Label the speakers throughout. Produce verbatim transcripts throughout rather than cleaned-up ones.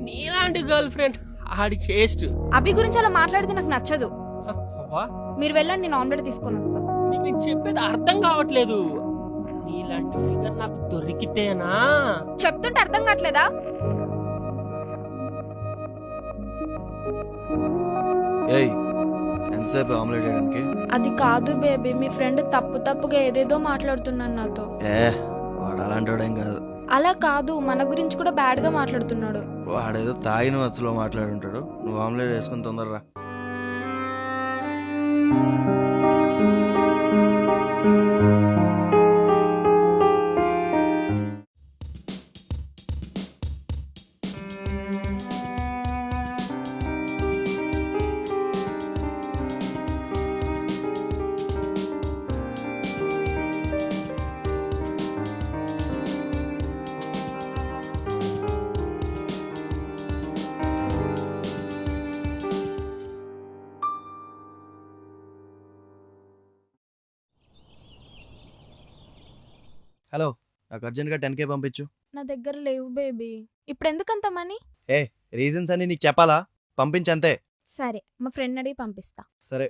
Speaker 1: నీలాంటి girlfriend ఆడి కేస్ట్.
Speaker 2: అభి గురించి అలా మాట్లాడితే నాకు నచ్చదు. మీరు వెళ్ళండి, నేను ఆమ్లెట్ తీసుకొని వస్తాను.
Speaker 1: నీకు నేను చెప్పేది అర్థం కావట్లేదు. నీలాంటి ఫిగర్ నాకు దొరికితేనా.
Speaker 2: చెప్తుంటే అర్థం కావట్లేదా?
Speaker 3: ఏయ్ ఎంతసేపు ఆమ్లెట్ వేయడానికి?
Speaker 2: అది కాదు బేబీ, మీ ఫ్రెండ్ తప్పు తప్పుగా ఏదేదో మాట్లాడుతున్నాను నాతో.
Speaker 3: ఏ వాడు అలాంటి వాడేం కాదు.
Speaker 2: అలా కాదు, మన గురించి కూడా బ్యాడ్ గా మాట్లాడుతున్నాడు.
Speaker 3: వాడేదో తాగిన వత్తులో మాట్లాడుంటాడు. నువ్వు ఆమ్లెట్ వేసుకుని తొందరరా. హలో, నాకు అర్జెంట్గా టెన్ కే పంపించు.
Speaker 2: నా దగ్గర లేవు బేబీ. ఇప్పుడు ఎందుకంత మనీ?
Speaker 3: ఏ రీజన్స్ అని నీకు చెప్పాలా? పంపించంతే.
Speaker 2: సరే, మా ఫ్రెండ్ అడిగి పంపిస్తా.
Speaker 3: సరే.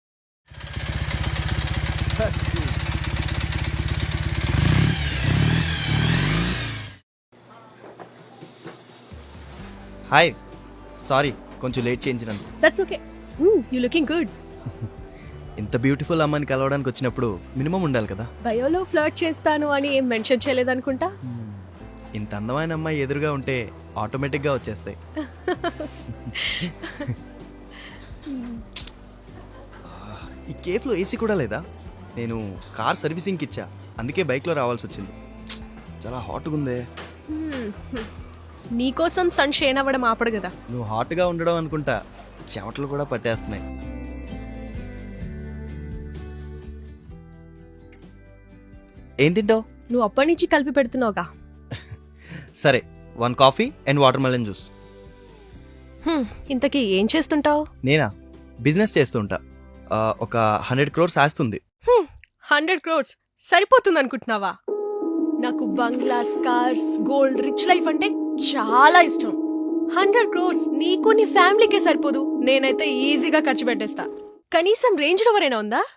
Speaker 3: హాయ్, సారీ కొంచెం లేట్ చేయించినాను.
Speaker 4: That's okay. Hmm, you looking good.
Speaker 3: ఇంత బ్యూటిఫుల్ అమ్మాయిని కలవడానికి వచ్చినప్పుడు మినిమం ఉండాలి కదా.
Speaker 4: బయోలో ఫ్లర్ట్ చేస్తాను అని ఏం మెన్షన్ చేయలేదనుకుంటా.
Speaker 3: ఇంత అందమైన అమ్మాయి ఎదురుగా ఉంటే ఆటోమేటిక్గా వచ్చేస్తాయి. ఈ కేఫ్లో ఏసీ కూడా లేదా? నేను కార్ సర్వీసింగ్కి ఇచ్చా, అందుకే బైక్లో రావాల్సి వచ్చింది. చాలా హాట్గా ఉందే.
Speaker 4: మ్మ్, నీకోసం సన్ షేన్ అవ్వడం ఆపడు కదా.
Speaker 3: నువ్వు హాట్గా ఉండడం అనుకుంటా, చెమటలు కూడా పట్టేస్తున్నాయి. ఏం తింటావు?
Speaker 4: నువ్వు అప్పటి నుంచి కలిపి పెడుతున్నావుగా.
Speaker 3: సరే, one coffee and watermelon juice.
Speaker 4: Hmm, ఇంతకీ ఏం చేస్తుంటావు?
Speaker 3: నేనా, బిజినెస్ చేస్తుంటా. ఆ, ఒక హండ్రెడ్ క్రోర్స్ ఆస్తుంది.
Speaker 4: హండ్రెడ్ క్రోర్స్ సరిపోతుంది అనుకుంటున్నావా? నాకు bungalows, cars, gold, rich life అంటే చాలా ఇష్టం. హండ్రెడ్ క్రోర్స్ నీకు నీ ఫ్యామిలీకే సరిపోదు. నేనైతే ఈజీగా ఖర్చు పెట్టేస్తా. కనీసం రేంజ్ రోవర్ అయినా ఉందా?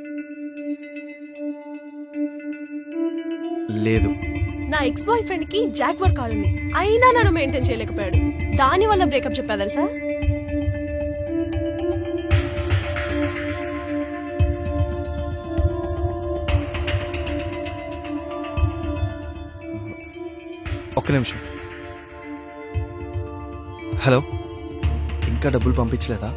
Speaker 3: లేదు.
Speaker 4: నా ఎక్స్ బాయ్ ఫ్రెండ్ కి జాగ్వర్ కార్ ఉంది, అయినా నన్ను మెయింటైన్ చేయలేకపోయాడు. దాని వల్ల బ్రేకప్ చెప్పా తెలుసా?
Speaker 3: ఒక్క నిమిషం. హలో, ఇంకా డబ్బులు పంపించలేదా?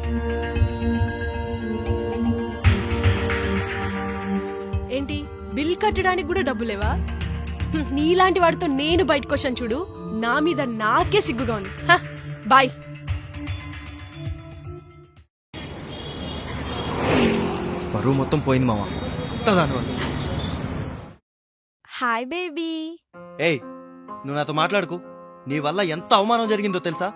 Speaker 4: ఏంటి, బిల్ కట్టడానికి కూడా డబ్బులేవా? హ్మ్, నీలాంటి వాడితో నేను బయటకు వచ్చాను చూడు, నా మీద నాకే సిగ్గుగా ఉంది. హ, బాయ్.
Speaker 3: బరువు మొత్తం పోయింది మామ, దానివల్ల.
Speaker 2: Hi baby.
Speaker 3: ఏయ్, నువ్వు నాతో మాట్లాడుకు. నీ వల్ల ఎంత అవమానం జరిగిందో తెలుసా?